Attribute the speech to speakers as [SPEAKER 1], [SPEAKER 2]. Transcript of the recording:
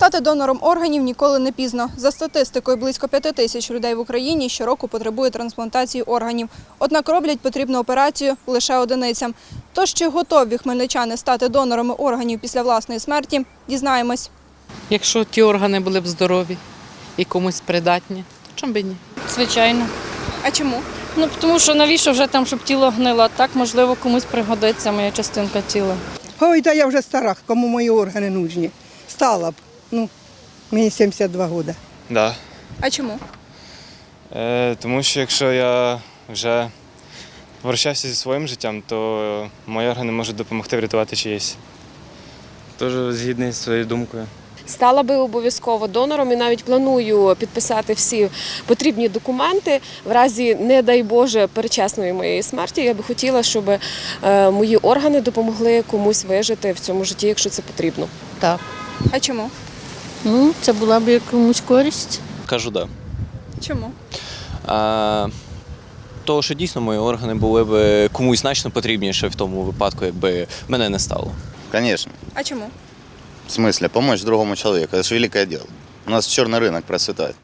[SPEAKER 1] Стати донором органів ніколи не пізно. За статистикою, близько 5 тисяч людей в Україні щороку потребує трансплантації органів. Однак роблять потрібну операцію лише одиницям. Тож, чи готові хмельничани стати донорами органів після власної смерті, дізнаємось.
[SPEAKER 2] Якщо ті органи були б здорові і комусь придатні, то чому б і ні?
[SPEAKER 3] Звичайно.
[SPEAKER 1] А чому?
[SPEAKER 3] Тому що навіщо вже там, щоб тіло гнило? Так, можливо, комусь пригодиться моя частинка тіла.
[SPEAKER 4] Ой, та я вже стара, кому мої органи нужні. Стала б. Мені 72 роки.
[SPEAKER 5] Да.
[SPEAKER 1] А чому?
[SPEAKER 5] Тому що якщо я вже попрощався зі своїм життям, то мої органи можуть допомогти врятувати чиєсь.
[SPEAKER 6] Теж згідний зі своєю думкою.
[SPEAKER 7] Стала би обов'язково донором і навіть планую підписати всі потрібні документи. В разі, не дай Боже, передчасної моєї смерті, я би хотіла, щоб мої органи допомогли комусь вижити в цьому житті, якщо це потрібно.
[SPEAKER 8] Так.
[SPEAKER 1] А чому?
[SPEAKER 8] Це була б якомусь користь.
[SPEAKER 9] Кажу, так.
[SPEAKER 1] Чому?
[SPEAKER 9] Того, що дійсно мої органи були б комусь значно потрібніше в тому випадку, якби мене не стало.
[SPEAKER 10] Конечно.
[SPEAKER 1] А чому?
[SPEAKER 10] В смысле, помочь другому человеку. Это же великое дело. У нас черный рынок процветает.